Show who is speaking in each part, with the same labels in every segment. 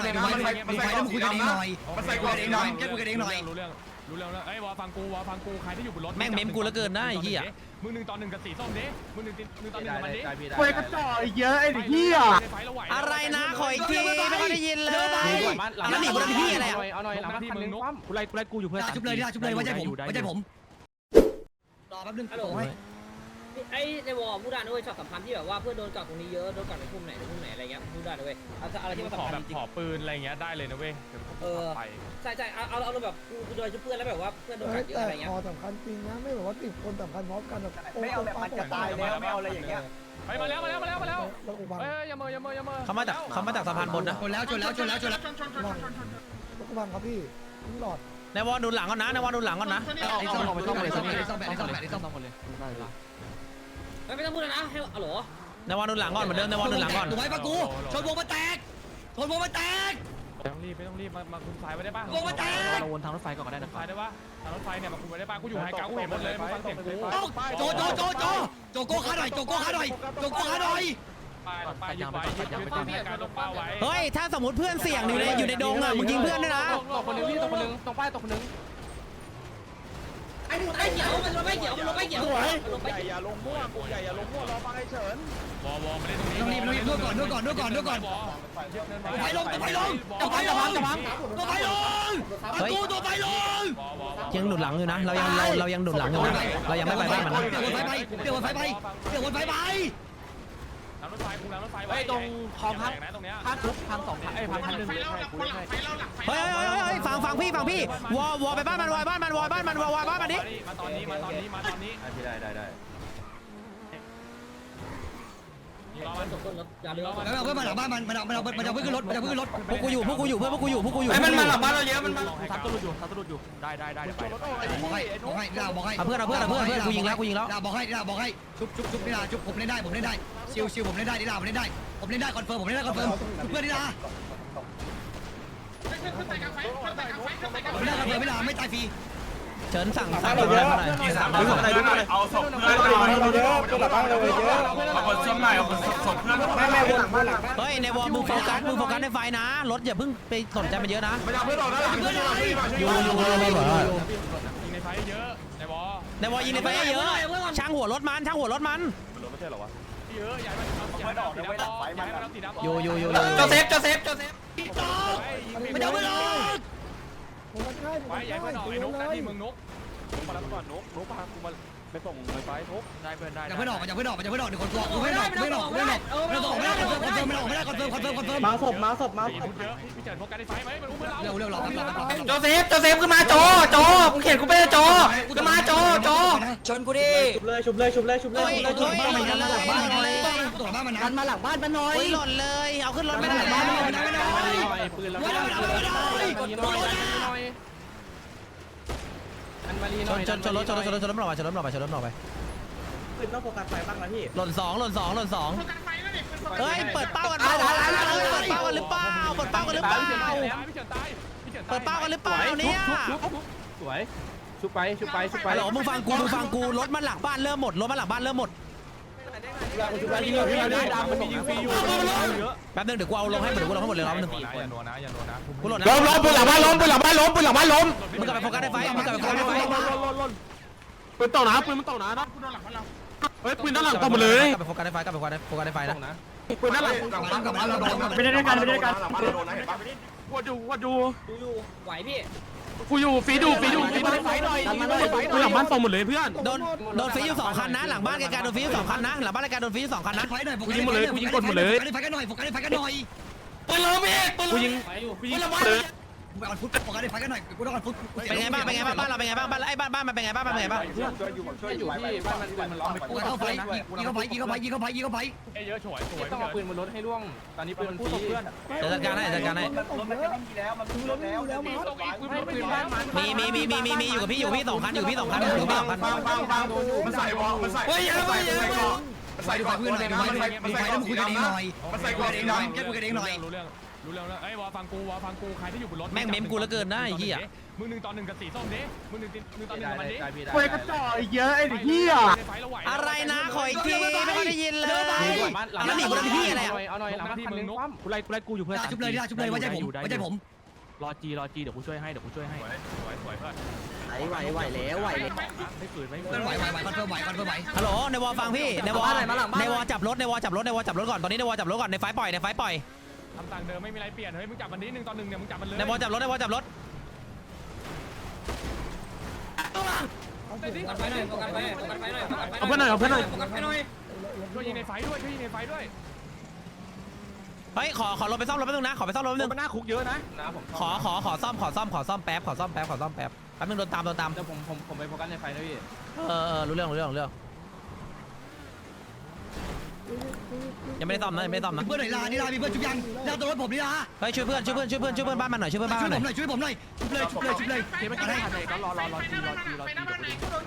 Speaker 1: ดูไฟแล้วมึงคุยกันเองหน่อยมันใส่กูเองหน่อยแค่คุยกันเองหน่อย
Speaker 2: รู้เรื่องแล้วไอ้วอฟังกูใครที่อยู่บนรถ
Speaker 3: แม่งเมมกูแล้วเกินนะไอ้เหี้ย
Speaker 2: มึง1 ต่อ 1กับสีส้มดิมึง1 ต่อ 1กับมันดิ
Speaker 4: ควยกระจอกเยอะไอ้เหี้ย
Speaker 3: อะไรนะขออีกทีไม่ได้ยินเลยแล้วหนีบนที่อะไรอ่ะ
Speaker 4: เอาหน่อยหลังที่มึงกูไล่กูอยู่เพื่อน
Speaker 1: ชุบเลยว่าใจผมรอแป๊บนึง
Speaker 5: ฮัลโหลไอ้ในวอลพูดได้ด้วยช็อตสำคัญที่แบบว่าเพื่อนโดนกัดตรงนี้เยอะโดนกัดในพุ่มไหนอะไรเงี้ยพูดได้ด้วยอะไรที่มัน
Speaker 2: ขอ
Speaker 5: สำคัญ
Speaker 2: แบบ
Speaker 5: จริง
Speaker 2: ขอปืนอะไรเงี้ยได้เลยนะเว้ยไป
Speaker 5: ใช่เอาแบบกูโดนชุบเพื่อนแล้วแบบว่าเพื่อนโดนกัดเยอะอะไรเงี้ย
Speaker 6: พอสำคัญจริงนะไม่แบบว่าติดคนสำคัญพร้อมกันแบบ
Speaker 4: ไม่เอาแบบมันจะตายแล้วไม่เอาอะไรอย่างเงี้ย
Speaker 2: ไปมาแล้ว
Speaker 6: แล้วกูบัง
Speaker 2: เฮ้ยอย่าเมื่อ
Speaker 3: เขามาจากสะพานบนนะ
Speaker 1: ชนแล้ว
Speaker 6: แล้วกูบังครับพี่ทิ้งหลอด
Speaker 3: ในวอลดูหลังก่อนนะในวอลดูหลังก่อนนะ
Speaker 1: ไอ้ซ่อมไปซ่อมหมดเลย
Speaker 5: ไม่ต้องพูดแล้วนะให้อ๋อเหรอ
Speaker 3: ในวอลดูหลังก่อนเหมือนเดิมในวอลดูหลังก่อน
Speaker 1: ดูไว้ปะกูชนวงมาแตก
Speaker 2: ไม่ต้องรีบมาคุมสายไว้ได้ป่ะ
Speaker 4: เราวนทางรถไฟก่อนก็ได้นะค
Speaker 2: สา
Speaker 4: รับ
Speaker 2: ยได้ป่ะทางรถไฟเนี่ยมาคุมไว้ได้ป่ะกูอยู่ไฮกราวกูเห็นหมดเลยมึงฟังเสียงกู
Speaker 1: โจโก้ขาหน่อย
Speaker 2: ไปยึดไว้การลงเป้าไว้
Speaker 3: เฮ้ยถ้าสมมติเพื่อนเสี่ยงอยู่ในดงอ่ะมึงยิงเพื่อนด้วยนะ
Speaker 4: ตกคนนึงพี่ตกคนนึงตรงป้ายตกคนนึง
Speaker 5: ไอ้เกี่ยวมันลงไม่เกี่ยว
Speaker 4: อย่าลงมั่วกูใหญ่อย่าลงมั่วรอฟังไอ้เฉิน
Speaker 2: วอไม่ได้ตรงนี้
Speaker 1: ต้องรีบดูก่อนไฟลงตัวไฟลง
Speaker 3: ยังหนุนหลังอยู่นะเรายังหนุนหลังอยู่นะเรายังไม่ไปบ้านมันนะ
Speaker 1: เดี๋ยววนไฟไป
Speaker 2: ทางรถไฟคุมทางรถไฟ
Speaker 4: ไอ้ตรงคลองพัก
Speaker 2: นะตรงเนี้ย
Speaker 4: พักพัง2,000ไอ้พัง1,000กูเล่นให้
Speaker 3: เฮ้ยฟังพี่วอไปบ้านมันวอบ้านมันดิ
Speaker 2: มาตอนนี้
Speaker 4: ได้
Speaker 5: รอมันตกต้นรถอย่าลืม
Speaker 1: แล้วเอาเพื่อนมาหลังบ้านมันเอาเพื่อนขึ้นรถ
Speaker 3: พวกกูอยู่เพื่อนพวกกูอยู่
Speaker 1: ไอ้มันมาหลังบ้านเราเยอะมันมา
Speaker 4: ทับตลุดอยู่ได้ไป
Speaker 1: บอกให้
Speaker 3: เอาเพื่อนกูยิงแล้ว
Speaker 1: บอกให้ชุบนี่ล่ะชุบผมเล่นได้ชิวผมเล่นได้นี่ล่ะผมเล่นได้คอนเฟิร์มเพื่อนนี่ล่ะไม่ล่ะไม่ตายฟรี
Speaker 3: เฉินสั่งอะไรมาหน่อย
Speaker 7: เอาศพเพื่อนหน่อยเอาคนซ่อมหน่อยเอาคนศพเพื่อนแม่วนหลังบ้านหลัง
Speaker 3: เฮ้ยในวอลมึงโฟกัสในไฟนะรถอย่าเพิ่งไปสนใจมันเยอะนะ
Speaker 7: ไม่เอาเพื่อนออกนะหลังเพื่อนอยู่
Speaker 2: ยิงในไฟเยอะในวอ
Speaker 3: ยิงในไฟเยอะช่างหัวรถมัน
Speaker 7: ไม่ใช่หรอวะ
Speaker 2: เยอะใหญ่มันสีดำ
Speaker 3: อยู่
Speaker 1: โจเซฟไม่เอาไม่ลง
Speaker 6: ผมมันใช่
Speaker 2: ไฟใหญ่เพื่อนออกไอ้นกที่มึงนก
Speaker 7: มาแล้วก่อนนกพากูมาไปส่งไฟทุก
Speaker 4: ได้เพื่อนได้
Speaker 1: อย่าเพิ่งออกเดี๋ยวคนตัวไม่ออกคอนเฟิร์ม
Speaker 4: มาศพ
Speaker 2: เยอะพี่เจิดโฟกัสในไฟไหมมันอุ้มเพื่อนเรา
Speaker 1: เร็วหลอก
Speaker 4: โจเซฟขึ้นมาโจกูเขียนกูไปโจขึ้นมาโจชนกูดิชุบเลย
Speaker 1: ตัวบ้านมันหลังบ้านมันดันมาหลังบ้านมันหน่อย
Speaker 3: หล่นเลยเอาขึ้นรถไม่ได้
Speaker 4: ปืนแล้วอันมาลีหน่อย
Speaker 3: ชนรถมันออกไป
Speaker 4: ปืนต้องโฟกัสไฟบ้างนะพี่
Speaker 3: หล่นสองเฮ้ยเปิดเป้ากันเปล่าหรือเปล่าเปิดเป้ากันหรือเปล่า
Speaker 2: พี่เจิดตาย
Speaker 3: เนี่ย
Speaker 4: สวยชุบไป
Speaker 3: ฮัลโหลมึงฟังกูรถมันหลังบ้านเริ่มหมด
Speaker 4: มันมียิงฟรีอยู่เยอะ
Speaker 3: แป๊บนึงเดี๋ยวกูเอาลงให้หมดเลยรอบนึง
Speaker 2: อย่าโดนนะ
Speaker 3: กูหล่นนะ
Speaker 4: ล้มปืนหลังบ้านล้ม
Speaker 3: มึงกลับไปโฟกัสในไฟ
Speaker 4: ปืนตกนะปืนมันตกนะเฮ้ยปืนด้านหลังตกหมดเลย
Speaker 3: กลับไปโฟกัสในไฟนะ
Speaker 4: ปืนด้านหลัง
Speaker 1: ไม่ได้ด้วยกัน
Speaker 7: หลังบ้านโดนนะเห็นปะ
Speaker 4: วัดดู
Speaker 5: ไหวพี่
Speaker 4: กูอยู่ฟีดูปืนหลังบ้านตกหมดเลยเพื่อน
Speaker 3: โดนฟรีอยู่2คันนะหลังบ้านไกลๆโดนฟรีอยู่2คันนะหลังบ้านไกลๆโดนฟรีอยู่2คันนะ
Speaker 1: ไฟหน่อยไฟกันหน่อยปืนล้มอีก
Speaker 4: กูยิง
Speaker 1: ไปออนฟุตโฟกัสในไฟกันหน่อยกูต้องออนฟุต
Speaker 3: เป็นไงบ้างบ้านเราเป็นไงบ้างบ้านไอ้บ้านมันเป็นไงบ้าง
Speaker 4: ช่วยอยู่พี่บ้านมันล้อม
Speaker 1: กูเข้าไฟยิงเข้าไป
Speaker 2: เยอะฉวย
Speaker 4: ต้องเอาปืนบนรถให้ล่วงตอนนี้ปืนมันฟรี
Speaker 3: จัดการให้
Speaker 6: รถไม่มีแล้วมันรถไม่มีแล้วมั้ง
Speaker 4: ปืนบ้านมัน
Speaker 3: มีอยู่กับพี่2คันอยู่พี่2คัน
Speaker 7: มันใส่วอมันใส่
Speaker 1: ไฟดูไฟเพื่อนหน่อยดูไฟแล้วมึงคุยกันเองหน่อย
Speaker 7: มันใส่กูเองหน่อย
Speaker 1: แค่คุยกันเองหน่อย
Speaker 2: รู้เรื่องรู้แล้วไอ้วอฟังกูใครที่อยู่บนรถ
Speaker 3: แม่งเมมกูเหลือเกินนะไอ้เหี้ย
Speaker 2: มึง1-1กับสีส้มดิมึง1-1กับมันดิ
Speaker 7: เว้ยกระจอกเยอะไอ้เหี้ย
Speaker 2: ในไฟเราไหว
Speaker 3: อะไรนะขออีกทีไม่ค่อยได้ยินเลยแล้วหนีกูทำที่อะไรอ่ะ
Speaker 2: เอาหน่อยหลังที่มึงนุ๊ก
Speaker 8: กูไล่กูอยู่เพื่อน
Speaker 1: ชุบเลยชุบเลยไว้ใจผมไว้ใจผม
Speaker 8: รอจีเดี๋ยวกูช่วยให้
Speaker 2: สวยเพื่อน
Speaker 8: ไหวแล้วไม่ฝืนไม่ฝื
Speaker 1: เพื่อน
Speaker 8: น
Speaker 1: ไหวคอนเฟิร์มไหว
Speaker 3: ฮัลโหลในวอฟังพี่ในวอจับรถก่อนตอนนี้ในวอจับรถก่อนในไฟปล่อย
Speaker 2: ทำต่างเดิมไม่มีอะไรเปลี่ยนเฮ้ยมึงจับมันดิ1-1เนี่ยมึงจับมันเลย
Speaker 3: ในวอจับรถ
Speaker 5: โฟกัสไฟหน่อยโฟกัสไฟหน่อยโฟกัสไฟหน่อยโฟกัสไฟหน่อยโฟกัสไฟหน่อย
Speaker 2: ช่วยยิงในไฟด้วย
Speaker 3: เฮ้ยขอรถไปซ่อมรถแป๊บนึงนะขอไปซ่อมรถแป๊บนึง
Speaker 8: มันหน้าคุกเยอะนะ
Speaker 3: ขอซ่อมแป๊บแป๊บนึงโดนตาม
Speaker 8: เดี๋ยวผมไปโฟกัสในไฟนะพี่
Speaker 3: รู้เรื่องยังไม่ได้ซ่อมนะ
Speaker 1: เพื่อนไหนลานี่ลามีเพื่อนชุบยังลาตัวรถผมนี่ลา
Speaker 3: เฮ้ยช่วยเพื่อนบ้านมันหน่อยช่วยเพื่อนบ้านมันหน่อย
Speaker 1: ช่วยผมหน่อยชุบเลย
Speaker 8: เกมไม่ทันเลยก็รอจีเดี๋ยวกูดู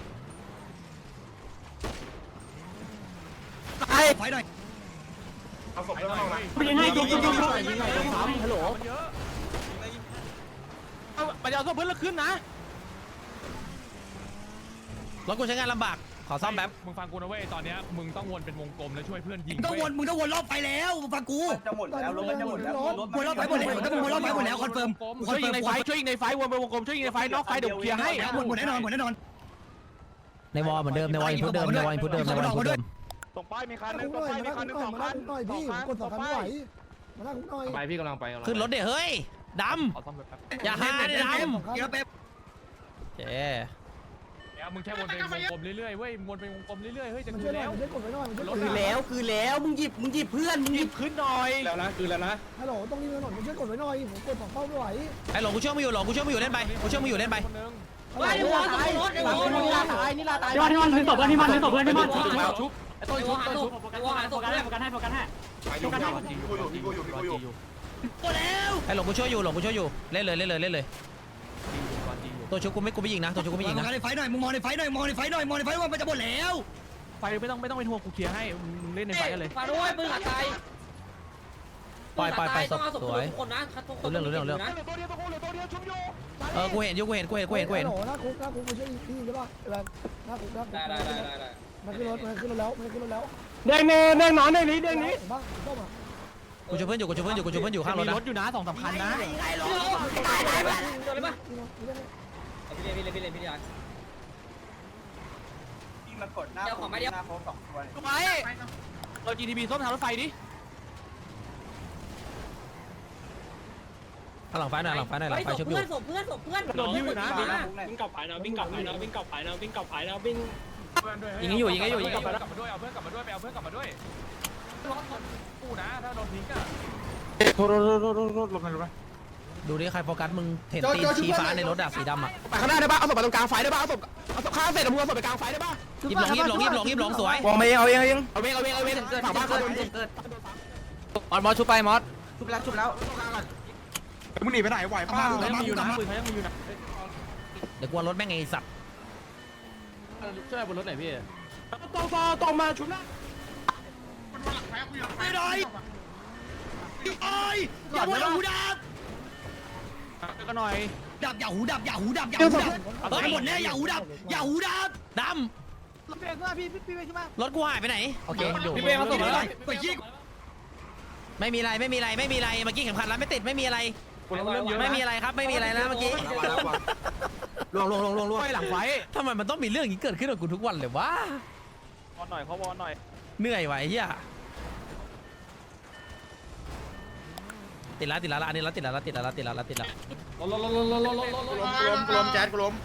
Speaker 1: ไฟหน่อย
Speaker 7: เอาศพแล้วมา
Speaker 8: ยิงให้ยิงฮัลโหลไปเอาเพื่อนแล้วขึ้นนะ
Speaker 3: รถกูใช้งานลำบากขอซ่อมแป๊บ
Speaker 2: มึงฟังกูนะเว้ยตอนเนี้ยมึงต้องวนเป็นวงกลมแล้วช่วยเพื่อนยิง
Speaker 1: มึงต้องวนรอบไฟแล้วฟังกู
Speaker 6: จะหมดแล้วรถมันจะหมดแล้ว
Speaker 1: วนรอบไฟหมดแล้วต้องวนรอบไฟหมดแล้วคอนเฟิร์ม
Speaker 8: ช่วยยิงในไฟวนไปวงกลมช่วยยิงในไฟนอกไฟเดี๋ยวเคลียร์ให้
Speaker 1: หมดแน่นอน
Speaker 3: ในวอเหมือนเดิมในวออินพุตเดิม
Speaker 7: ส่งป้ายมีคันนึ
Speaker 6: คุ
Speaker 7: ง
Speaker 6: กห
Speaker 7: ส่
Speaker 6: น่
Speaker 7: ง
Speaker 6: อย
Speaker 7: ป้ายมี
Speaker 6: มา
Speaker 7: คันนึง
Speaker 6: นั่งหน่อยพี่กด2 คันไม่ไหวมานั่งคุกหน่อย
Speaker 8: ไปพี่กำลังไป
Speaker 3: ขึ้นรถเดี๋ยวเฮ้ยด
Speaker 2: ขอซ่อมแป๊บ
Speaker 3: ำอย่าหาดิดำ
Speaker 1: เดี๋ยวเป๊ป
Speaker 3: เจ๊
Speaker 2: แล้วมึงแค่วนเป็นวงกลมเรื่อยๆเว้ยวนเป็นวงกลมเรื่อยๆเฮ้ยจะ
Speaker 6: มัน
Speaker 2: คื
Speaker 6: ช่วย
Speaker 2: น
Speaker 6: หน่อย
Speaker 2: แล้ว
Speaker 6: มันช่วยกดไว้หน่อยมันช่วยกด
Speaker 8: คือแล้วมึงหยิบเพื่อนมึงหยิบขึ้นหน่อยแล้วนะคือแล้วนะ
Speaker 6: ฮัลโหลต้องรีบถนนมันช่วยกดไว้หน่อยผมกด2 เป้าไม่ไหว
Speaker 3: ไอ้หลงกูช่วยมึงอยู่เล่นไป
Speaker 2: คนนึง
Speaker 5: ไว้ในวอสมรถในวอสมรถ
Speaker 8: นี่ลาตาย
Speaker 9: ที่มันถือศพที่มันชุบ
Speaker 8: ชุบไอ้ต้น
Speaker 5: ในว
Speaker 8: ชุ
Speaker 5: อบ หา
Speaker 8: ต้น
Speaker 5: ศ
Speaker 8: ชุ
Speaker 5: พ
Speaker 8: บ
Speaker 5: ในวอหาศพ
Speaker 9: ให้โฟกัสให้
Speaker 1: หมดแล้ว
Speaker 3: ไอ้หลงกูช่วยอยู่เล่นเลยตัวชุบกูไม่ยิงนะ
Speaker 1: มองในไฟหน่อยมึงมองในไฟหน่อยว่ามันจะหมดแล้ว
Speaker 8: ไฟไม่ต้องเป็นห่วงกูเคลียร์ให้มึงเล่นในไฟกันเลย
Speaker 5: มาด้วยปืนขาดตาย
Speaker 3: ปล่อย
Speaker 5: ต้องเอาศพทุกคนนะทุกคนนะ
Speaker 3: กูเห็น
Speaker 6: ฮัลโหลหน้าคุกมาช่วยพี่ใช่ป่ะหน้าคุก
Speaker 5: ได้
Speaker 6: มันขึ้นรถแล้ว
Speaker 8: เด้งนอนเด้งนี้
Speaker 6: บ้างต้มอ่ะ
Speaker 3: กูช่วยเพื่อนอยู่ข้างรถ
Speaker 8: มี
Speaker 3: นะ
Speaker 8: รถอยู่นะ2-3 คันนะ
Speaker 5: โดนเลยปะพี่ยา
Speaker 7: มันกดหน้า
Speaker 5: เดี๋ยวของมาเดียว
Speaker 7: หน้าโค้ง2 ตัว
Speaker 8: ไปเรา GTB ส้มทางรถไฟดิ
Speaker 3: หลังไฟหน่อยชุบอยู่
Speaker 5: ศพเพื่อน
Speaker 8: โดนยิ้วอยู่นะ
Speaker 9: วิ่งกลับไปนะวิ่งกลับไปนะวิ่งกลับไปนะวิ่งกลับไปนะวิ่ง
Speaker 3: ยิงให้อยู่
Speaker 2: กลับมาด้วยเอาเพื่อนกลับมาด้วยไปเอาเพื่อนกลับมาด้วยกูนะถ้าโดนทิ้งอ่ะ
Speaker 8: โทษลงไป
Speaker 3: ดูดิใครโฟกัสมึงเห็นตีนชี้ฟ้าในรถสีดำอ่ะ
Speaker 8: ไปข้างหน้าได้ป่ะเอาศพไปตรงกลางไฟได้ป่ะเอาศพข้างเสร็จแล้วมึงเอาศพไปกลางไฟได้ป่ะ
Speaker 3: ยิบหลงสวย
Speaker 4: มองไปเอาเอง
Speaker 8: เอาเวงฝั่งบ้านเขาโดนยิง
Speaker 4: มอสชุบไปมอส
Speaker 7: ชุบแล้วมึงหนีไปไหนไหวป้า
Speaker 8: เขายังมีอยู่นะปืนเขายังมีอยู่นะ
Speaker 3: เดี๋ยวกลัวรถแม่งไอ้สัตว์
Speaker 8: ช่วยบนรถหน่อยพี่
Speaker 7: ตรงมาชุบนะ
Speaker 1: ไม่ได้อย่าพูดหูดับ
Speaker 8: ก็หน่อย
Speaker 1: อย่าหูดับหมดแน่อย่าหูดับ
Speaker 3: ดำรถกูหายไปไหนโอเคอยู่
Speaker 8: พี่เป้เขาส่งอะไร
Speaker 1: ไปยิง
Speaker 3: ไม่มีอะไรเมื่อกี้เข็มขัดแล้วไม่ติดไม่มีอะไร
Speaker 8: คนเริ่มเยอะ
Speaker 3: ไม่มีอะไรครับไม่มีอะไรนะเมื่อกี้
Speaker 4: ลวง
Speaker 8: ไฟหลังไฟ
Speaker 3: ทำไมมันต้องมีเรื่องอย่างนี้เกิดขึ้นกับกูทุกวันเลยวะ
Speaker 8: วอนหน่อยเขาวอนหน่อย
Speaker 3: เหนื่อยไว้เฮียติดแล้วอันนี้ติดแล้ว
Speaker 7: รวมแจ๊ดกูล้ม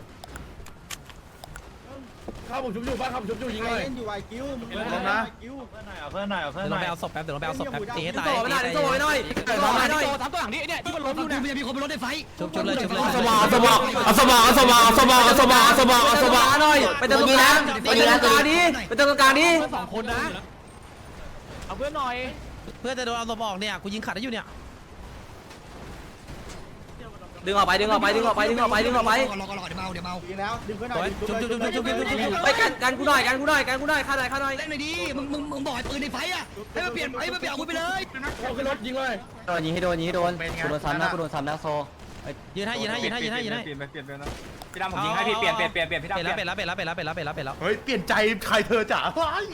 Speaker 7: ข้าวผมชุบอยู่บ้านข้าวผมชุบอยู่ยิงเลยอยู่ไอคิวล้มนะ
Speaker 3: เดี๋ยวเราไปเอาศพแป๊บตีให้ตาย
Speaker 4: ต่อไปหน่อย
Speaker 8: ทำตัวอย่างนี้เนี่ยที่มันล้มอยู่
Speaker 1: ดู
Speaker 8: เนี่ย
Speaker 1: มีคนบนรถในไฟ
Speaker 3: ชุบเลย
Speaker 4: สมองหน่อยไปตรงนี้นะไปตรงกลางนี้ไปตรงกลางนี้
Speaker 8: 2 คนนะเอาเพื่อนหน่อย
Speaker 3: เพื่อจะโดนเอาศพออกเนี่ยกูยิงขัดได้อยู่เนี่ย
Speaker 4: ดึงออกไปดึงออกไปดึงออกไปดึงออกไปดึงออกไป
Speaker 1: รอเดี๋ยวเมา
Speaker 6: ยิงแล้วดึงเพื่อนหน่อย
Speaker 3: จุ๊บจุ๊บจุ๊บจุ๊บจุ๊บจุ๊บ
Speaker 4: ไปกันกูหน่อยกันกูหน่อยกันกูหน่อยฆ่าหน่อยฆ่าหน่อย
Speaker 1: เล่นหน่อยดิมึงบอกให้ปืนในไฟอ่ะให้มันเปลี่ยนอาวุธไปเลย
Speaker 8: ขึ้นรถยิงเลย
Speaker 4: โดนยิงให้โดนยิงให้โดนกูโดนซ้ำนะกูโดนซ้ำนะโซ
Speaker 3: ยืนให้ยืนให้ยืนให้ยืนให้ยืนให้
Speaker 2: เปลี่ยนนะพี่ดำผมยิงให้พี่เปลี่ยนพี่ดำ
Speaker 3: เปลี่ยนแล้วเปลี่ยนแล้วเปลี่ยนแล้วเปลี่ยนแล้วเปลี่ยนแล้วเปลี่ยนแล้วเปลี่ยนแล้ว
Speaker 7: เฮ้ยเปลี่ยนใจใครเธอจ๋าเฮ้ย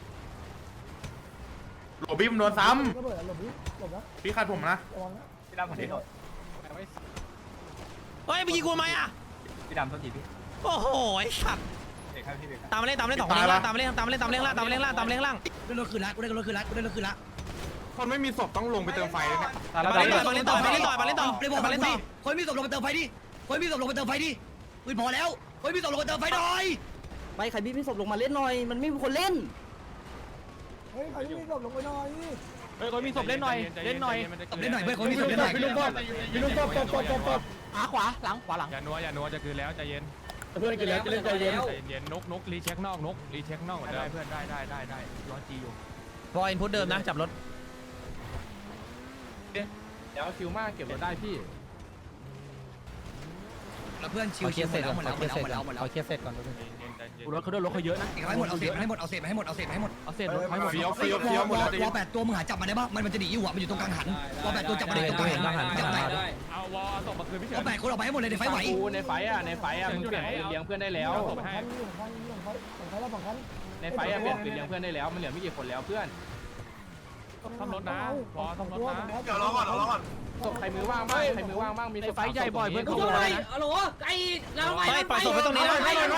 Speaker 7: โหลบี้มันโดนซ้
Speaker 6: ก็เปิดหลบนี้หลบนะ
Speaker 7: ำพี่ขัดผมนะ
Speaker 6: ระวังนะ
Speaker 2: พี่ดำผมที่โดน
Speaker 3: เฮ้ยไปยิงกูทำไมอ่ะ
Speaker 2: พี่ดำโทษทีพี่
Speaker 3: โอ้โหไอ้สัตว์
Speaker 2: เด็กครับพี่เด็ก
Speaker 3: ตามมาเล่นตามมาเล่นสองคนนี้ล่างตามมาเล่นตามมาเล่นตามมาเล่นล่างตามมาเล่นล่างตามมาเล่นล่าง
Speaker 1: ได้รถคืนละกูได้รถคืนละกูได้รถคืนละ
Speaker 7: คนไม่มีศพต้องลงไปเติมไฟเลยเนี่ย
Speaker 3: มาเล่นต่อมาเล่นต่อมาเล่นต่อมาเล่นต่อ
Speaker 1: เลยบอก
Speaker 3: มา
Speaker 1: มา
Speaker 3: เล่
Speaker 1: เล่
Speaker 3: น
Speaker 1: น
Speaker 3: ต่
Speaker 1: ต่
Speaker 3: อ
Speaker 1: อคนมีศพลงไปเติมไฟดิคนมีศพลงไปเติมไฟดิปืนพอแล้วคนมีศพลงไปเติมไฟหน่อย
Speaker 8: ไปใครพี่ศพลงมาเล่นหน่อยมันไม่มีคนเล่น
Speaker 6: เฮ้ยใครที่มีศพลงไปหน่อย
Speaker 2: เฮ้ยคนมีศพเล่นหน่อยเล่นหน่อย
Speaker 1: ตบเล่นหน่อยเพื่อนคนมีศพเล่นหน่อย
Speaker 8: พี่ลุงป้อมขวาหลังหลัง
Speaker 2: อย่านัวจะคืนแล้วใจเย็น
Speaker 8: เพื่อนกินแล้วกินเล่นใจเย็น
Speaker 2: ใจเย็นนกรีเช็คนอกรีเช็คนอกได้เพื่อนได้ร้อนจีอยู่
Speaker 3: บอลอินพุตเดิมนะจับรถ
Speaker 2: เดี๋ยวคิวมากเก็บรถได้พี่
Speaker 1: แล้วเพื่อนชิว
Speaker 3: เอาเค
Speaker 1: ชิ
Speaker 3: ลี
Speaker 1: วย
Speaker 3: ร์
Speaker 1: หม
Speaker 3: เสร็
Speaker 1: ด
Speaker 3: จ
Speaker 1: แล้ว
Speaker 3: ก่อน
Speaker 1: หมดแล้ว
Speaker 3: เอาเคลียร์เสร็จก่อน
Speaker 2: รถเขาเยอะนะ
Speaker 1: เก็บให้หมดเอาเศษให้หมดเอาเศษให้หมดเอาเศษให้หมด
Speaker 2: เอาเศษรถให้หมด
Speaker 7: เฟี้ยวหมดแล้ว
Speaker 1: วอ8ตัวมึงหาจับมันได้ปะมันจะหนีอยู่อ่ะมันอยู่ตรงกลางหันวอ8ตัวจับมันได้ตรงกลางหันจับได้
Speaker 2: เอาวอลส่งมาคืนพี่เฉิ
Speaker 1: วอน8คนออกไปให้หมดเลยในไฟไหว
Speaker 2: ในไฟมึงเปลี่ยนปืนเลี้ยงเพื่อนได้แล้ว
Speaker 6: ฝั่งคันฝั่งคันแล้วฝั่งคัน
Speaker 2: ในไฟเปลี่ยนปืนเลี้ยงเพื่อนได้แล้วมันเหลือไม่กี่คนแล้วเพื่อนทำรถนะวอทำรถนะ
Speaker 7: เดี๋ยวรอก่อน
Speaker 2: ศพใครมือว่างบ้างมีไฟใหญ่บ่อยเพื่อน
Speaker 5: กู
Speaker 2: เขา
Speaker 5: ช่วยฮัลโหลไอ้เราไป
Speaker 3: ปล่อยศพไปตรงนี้นะ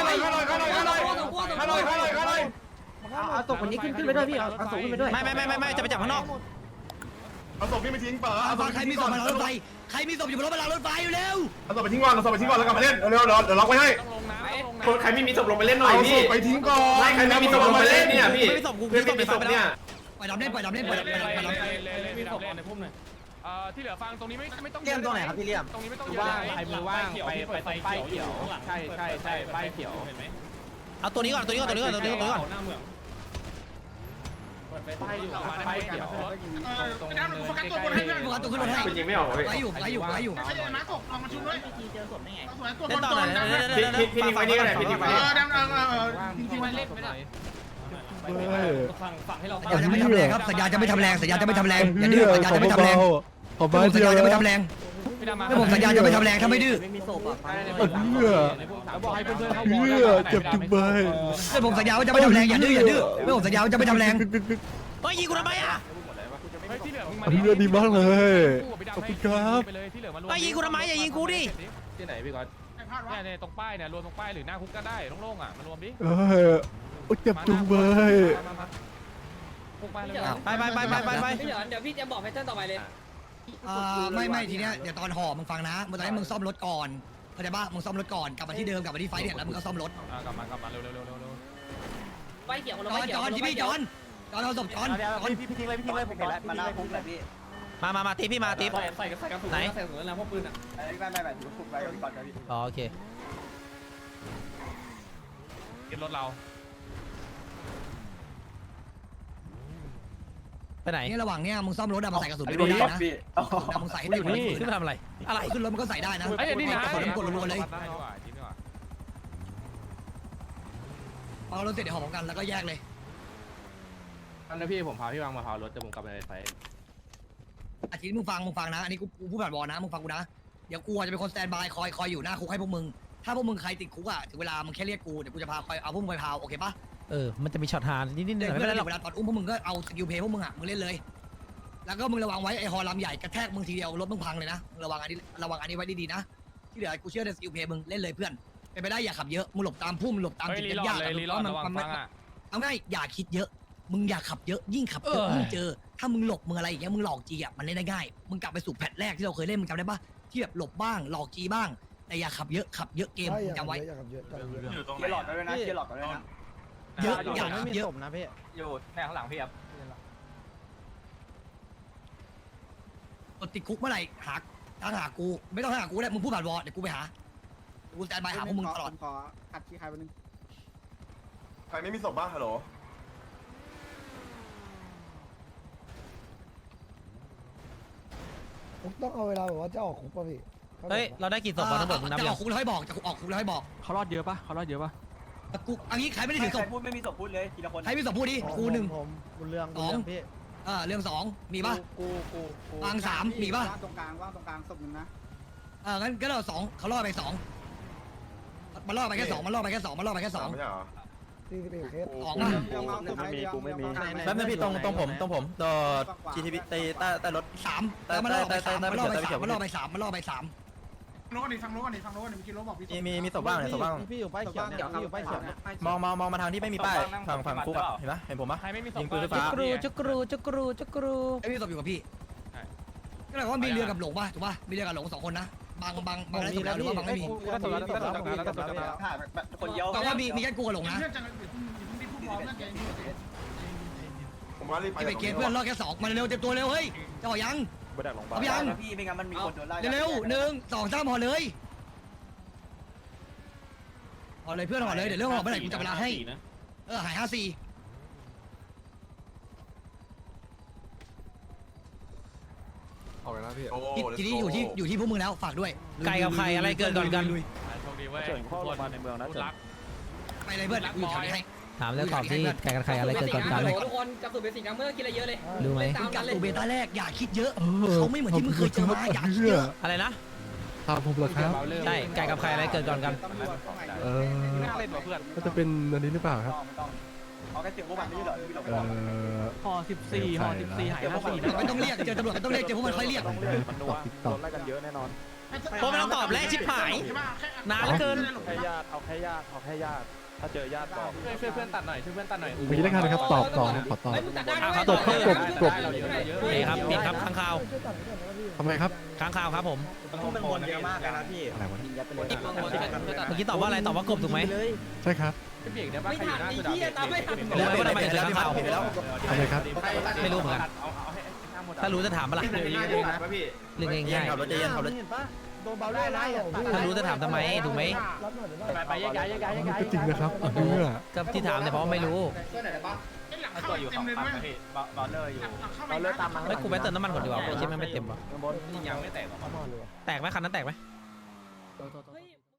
Speaker 8: เอาศพคนนี้ขึ้นไปด้วยพี่เอาศพขึ้นไปด้วย
Speaker 3: ไม่จะไปจับข้างนอก
Speaker 7: เอาศพพี่ไปทิ้งเปิด
Speaker 1: เอาใครมีศพมาล้างรถไฟใครมีศพอยู่บนรถมาล้างรถไฟเร็ว
Speaker 7: เอาศพไปทิ้งก่อนเอาศพไปทิ้งก่อนแล้วกลับมาเล่นเร็วๆเดี๋ยวล็อกไว้ให้
Speaker 2: ต้องลงนะ
Speaker 4: คนใครไม่มีศพลงไปเล่นหน่อย
Speaker 7: เอาศ
Speaker 4: พี่
Speaker 7: พไปทิ้งก่อน
Speaker 4: ใครไม่มีศพลงไปเล่นเนี่ยพี่
Speaker 3: ไม่มีศพกู
Speaker 4: เพื่อนไม่มีศพเนี่ย
Speaker 1: ปล่อยดำเล่นปล่อยดำเล่นปล่อยดำเล่นปล่อยดำเล่น
Speaker 2: มีศพในพุ่มหน่อยที่เหลือฟังตรงนี้ไม่ต้อง
Speaker 8: เลี่ยมตรงไหนครับพี่เลี่ยม
Speaker 2: ตรงนี้ไม่ต้องว่างใครมือว่างไปตรงป้ายเขียวใช่ป้ายเขียวเห็นไหม
Speaker 3: เอาตัวนี้ก่อนตัวนี้ก่อนตัวนี้ก่อนตัวนี้ก่อน
Speaker 2: หน้าเมืองป้ายอยู่ป้ายเขียวรถตรงเนินใกล้
Speaker 1: โฟกัสตัวขึ้นรถให้
Speaker 4: คุณยิงไม่ออกเลย
Speaker 1: ไว้อยู่
Speaker 3: เล่นต่อหน่อย
Speaker 4: พี่ทิ้งไว้นี่ก็ได้พี่ทิ้งไว้
Speaker 2: ที่มันเล่นไม่ได้
Speaker 8: ฝั่งให้เรา
Speaker 1: สัญญาจะไม่ทำแรงครับสัญญาจะไม่ทำแรงสัญญาจะไม่ทำแรงอย่าดื้อสัญญาจะไม่ทำแรงผมสัญญาจะไม่ทำแรง
Speaker 2: พี่ดำมา
Speaker 1: ผมสัญญาจะไม่ทำแรงถ้าไม่ดื้อ
Speaker 8: ไม่มีศพอ่ะ
Speaker 2: บอกให้เพื่อนๆเขาเจ็บจุกเบย
Speaker 1: ผมสัญญาว่าจะไม่ทำแรงอย่าดื้อผมสัญญาว่าจะไม่ทำแรง
Speaker 3: เฮ้ยยิงกูทำไมอ่ะ
Speaker 2: ที่เหลือมึงมา
Speaker 10: เพื่อนดีมากเลย
Speaker 2: ขอบคุณครับไปเลยที่เหลือมารวม
Speaker 3: เฮ้ยยิงกูทำไมอย่ายิงกูดิ
Speaker 2: ที่ไหนพี่ก๊อตเนี่ยตรงป้ายเนี่ยรวมตรงป้ายหรือหน้าคุกก็ได้โล่งๆอ่ะมารวมดิ
Speaker 10: โอ้เจ็บจุงเบย
Speaker 2: คุกมาเลย
Speaker 3: ไป
Speaker 5: พี่เหรอเดี๋ยวพี่จะบอกแพทเทิร์นต่อไปเลย
Speaker 1: ไม่ทีเนี้ยเดี๋ยวตอนห่อมึงฟังนะมึงตอนนี้มึงซ่อมรถก่อนเข้าใจป่ะมึงซ่อมรถก่อนกลับมาที่เดิมกลับมาที่ไฟเนี่ยแล้วมึงก็ซ่อมรถ
Speaker 2: กลับมาเร็ว
Speaker 5: ไฟเขียวคนละ
Speaker 1: จ
Speaker 5: ไฟ
Speaker 1: อน
Speaker 5: เขีย
Speaker 1: จ
Speaker 5: ว
Speaker 1: อนที่พี่จอนเอาศพจอน
Speaker 8: พี่ทิ้งเลยผมเห็นแล้วมาหน้าพุ่งเลยพี่
Speaker 3: มาตีพี่มาตี
Speaker 8: ใส่กระสุนใส่กระสุนแล้วพวกปืนอ่ะ
Speaker 6: ไม่ถือฟุกไว้ก่อนครับพี่
Speaker 3: อ๋อโอเค
Speaker 2: ยึดรถเรา
Speaker 3: ไปไหน
Speaker 1: นี่ระหว่างเนี้ยมึงซ่อมรถอะมาใส่กระสุนไม่ได้นะมึงใส่ให้เต็มเลย
Speaker 3: ขึ้นมาทำอะไรอะไร
Speaker 1: ขึ้นรถมันก็ใส่ได้นะ
Speaker 2: ไอ้นี่นะ
Speaker 1: กระสุนมันกดรัวๆเลย
Speaker 2: ได้ดีกว่ายิ้มดีกว่า
Speaker 1: เอารถเสร็จเดี๋ยวห่อพร้อมกันแล้วก็แยกเลย
Speaker 2: อันนั้นพี่ผมพาพี่วางมาพารถจะผมกลับไปในไฟ
Speaker 1: อาทิตย์มึงฟังนะอันนี้กูพูดผ่านบอลนะมึงฟังกูนะเดี๋ยวกูจะเป็นคนสแตนบายคอยอยู่หน้าคุกให้พวกมึงถ้าพวกมึงใครติดคุกอะถึงเวลามึงแค่เรียกกูเดี๋ยวกูจะพาคอยเอาพวกมึงไปพาวโอเคปะ
Speaker 3: มันจะมีช็อตฮานิดๆหน่อยไม่
Speaker 1: เพื่
Speaker 3: เป็น
Speaker 1: อน
Speaker 3: ไรหรอก
Speaker 1: เวลาตอนอุ้มพวกมึงก็เอาสกิลเพย์พวกมึงอะมึงเล่นเลย แล้วก็มึงระวังไว้ไอ้ฮอลำใหญ่กระแทกมึงทีเดียวรถมึงพังเลยนะระวังอันนี้ไว้ดีๆนะที่เหลือกูเชื่อในสกิลเพย์มึงเล่นเลยเพื่อนเป็นไปได้อย่าขับเยอะมึงหลบตามพุ่มหลบตามจุดยากๆเอาง่ายอย่าคิดเยอะมึงอย่าขับเยอะยิ่งขับเยอะยิ่งเจอถ้ามึงหลบมึงอะไรอย่างเงี้ยมึงหลอกจีอะมันเล่นได้ง่ายมึงกลับไปสู่แพทแรกที่เราเคยเล่นมึงจำได้ปะที่แบบหลบบ้างหลอกจีบ้างแต่อย่าขับเยอะเกมจำไว้
Speaker 6: อย่าขับเยอะ
Speaker 7: อยู่ตรงไห
Speaker 8: เกียร์หลอดด้วยนะเกียร์หลอดด้วยนะ
Speaker 1: เยอะอย่าขับเยอะ
Speaker 8: นะพี่
Speaker 2: อยู่แม่ข้างหลังพี่ครับ
Speaker 1: ติดคุกเมื่อไหร่หากูไม่ต้องหากูแล้วมึงพูดผ่านวอเดี๋ยวกูไปหากูสแตนบายหาพวกมึงตลอด
Speaker 6: ขออัดที่ใครวันนึง
Speaker 7: ใครไม่มีศพบ้างฮัลโหล
Speaker 6: ผมต้องเอาเวลาแบบว่าจะออกคุกป่ะพี่
Speaker 3: เฮ้ยเราได้กี่ศพบอลทั้งหมดมึงนับ
Speaker 1: จะอ
Speaker 3: ยั
Speaker 1: อง กคุกแล้วให้บอกจะออกคุกแล้วให้บอก
Speaker 8: เขารอดเยอะปะเขารอดเยอะปะ
Speaker 1: กูอันนี้ใครไม่ได้ถือศพ
Speaker 8: พูดไม่มีศพพูดเลยทีละคน
Speaker 1: ใครมีศพพูดดิกูหนึ่ง
Speaker 6: ผมบุญเรื่อง
Speaker 1: สองเรื่องสองมีป่ะ
Speaker 6: กู
Speaker 1: วางสามมีป่ะ
Speaker 6: ว่างตรงกลางศพนึงนะ
Speaker 1: งั้นก็เราสองเขาล่อไปสองมันล่อไปแค่สองมันล่อไปแค่สองมันล่อไปแค่สอง
Speaker 7: ไม่ใช่เหรอ
Speaker 6: 41เคส
Speaker 1: สองอ่ะ
Speaker 6: ไม่มีกูไม่มี
Speaker 4: แป๊บนึงพี่ตรงผมตัว GTB ใต้รถ
Speaker 1: สามแล้วมันล่อไปสามมันล่อไปสามมันล่อไปสามมันล่อไปสาม
Speaker 7: โน้ตนี่ฟังโน้ตนี่ฟังโน้ตนี่เมื่อกี้โน้ตบอกพี่
Speaker 4: มีศพบ้างศพบ้าง
Speaker 6: พี่อยู่ป้ายเขียวเนี่ยพี่อยู่ป้ายเขียวเนี่ย
Speaker 4: มองมาทางที่ไม่มีป้ายฝั่งคุกอะเห็นปะเห็นผมปะ
Speaker 2: ใครไม่มีศพ
Speaker 4: ยิงปืนไฟฟ้า
Speaker 3: จุกรูจุกรูจุกรูจุกรู
Speaker 1: ไอ้พี่ศพอยู่กับพี่ก็เลยว่ามีเรือกับหลงป่ะถูกป่ะมีเรือกับหลงสองคนนะบางได้ศพแล้วหรือว่าบางไม่มี
Speaker 8: คนเดียว
Speaker 1: ก็ว่ามีแค่กูกับหลงนะ
Speaker 7: ผมว่ารีบไป
Speaker 1: ที่ไปเกตเพื่อนล่อแค่สองมันเร็วเต็มตัวเร็วเฮ้ยจะออกยังเอายัง
Speaker 8: พี่ไม่งั้นมันมีคนโดนไล่
Speaker 1: เร็วหนึ่งสองสามห่อเลยห่อเลยเพื่อนห่อเลยเดี๋ยวเรื่องห่อเมื่อไหร่กูจับเวลาให้หาย54ทีนี้อยู่ที่พวกมึงแล้วฝากด้วย
Speaker 3: ไก่กับไข่อะไรเกิดก่อนกัน
Speaker 2: โชคดีเว้ยข้อลงมาในเมืองนะรัก
Speaker 1: ไปเลยเพื่อนกูอยู่แถวนี้ให้
Speaker 3: ถามแล้วตอบที่ไก่กับไข่อะไรเกิดก่อนกัน
Speaker 5: ทุกคนกับสุดเบสิกนะเมื่อกินอะไรเยอะเลย
Speaker 3: รู้ไหม
Speaker 5: ตาม
Speaker 1: กั
Speaker 5: กับ นเลย
Speaker 1: ตูเบต้าแรกอย่าคิดเยอะเขาไม่เหมือนที่มึงเคยเจอมาอย่าคิดเยอะ
Speaker 3: อะไรนะ
Speaker 10: ตามผมเหรอครับ
Speaker 3: ใช่ไก่กับไข่อะไรเกิดก่อนกัน
Speaker 2: เล่นกับเพื่อน
Speaker 10: ก็จะเป็นอันนี้หรือเปล่าครับ
Speaker 8: เอาแค่เสียงพวกมันไม่ใช่เหรอพี่หลง
Speaker 10: ห่อ
Speaker 8: 14ห่อ14หาย54
Speaker 1: ไม่ต้องเรียกเจอตำรวจไม่ต้องเรียกเจอพวกมันค่อยเรียก
Speaker 10: ตอบ
Speaker 3: เพราะไม่ต้องตอบแล้วชิบหาย นานเหลือเกิน
Speaker 2: เพื่อนเพื่อนตัดหน่อยช่วยเพื่อนตัดหน่อย
Speaker 10: เมื่อกี้ได้กันนะครับตอบต่อขอตอบ
Speaker 5: ไม่มึงตัดได้
Speaker 10: ตบครับตบ
Speaker 3: นี่ครับผิดครับค้างคาว
Speaker 10: ทำไมครับ
Speaker 3: ค้างคาวครับผม
Speaker 8: มันวนเยอะมากนะพี่
Speaker 10: อะไรวะ
Speaker 3: เมื่อกี้ตอบว่าอะไรตอบว่ากบถูกไหม
Speaker 10: ใช่ครับ
Speaker 2: เบรกได้ป่ะ
Speaker 5: ไม่
Speaker 2: ใครอ
Speaker 5: ทั
Speaker 2: ยู่
Speaker 5: น
Speaker 2: หน้า
Speaker 5: ไอ้
Speaker 2: สุด
Speaker 5: เหี้ยตามไม่ทัน
Speaker 3: แล้วทำไมถึงค้างคาว
Speaker 4: ผิดไปแล้ว
Speaker 10: ทำไมครับ
Speaker 3: ไม่รู้เหมือนกัน
Speaker 2: เอาให้หน้าหมด
Speaker 3: ถ้ารู้จะถามมาละ
Speaker 2: เดี๋ยวยิงเองนะพี่
Speaker 3: เรื่อง
Speaker 4: เย็น
Speaker 3: ง่าย
Speaker 4: ขับรถเย็นขับรถ
Speaker 6: เห็นปะโดนเบาได้นะ
Speaker 3: ๆถ้ารู้จะถามทำไมถูกไหม
Speaker 6: รับหน่อยได้
Speaker 2: ไปแยกย้าย
Speaker 10: ก็จริงนะครับเพื่อ
Speaker 3: ก็ที่ถามแต่เพราะไม่รู้
Speaker 2: ตัวอยู่ของปั๊มพี่บอลเลอร์อยู่
Speaker 8: เราเลิกตามมา
Speaker 3: เฮ้ยกูไปเติมน้ำมันก่อนดีกว่าไอ้ชิปมันไม่เต็มว่ะ
Speaker 2: ยังไม่แตกหรอ
Speaker 3: แตกไหมคันนั้นแตกไหม
Speaker 5: เฮ้ย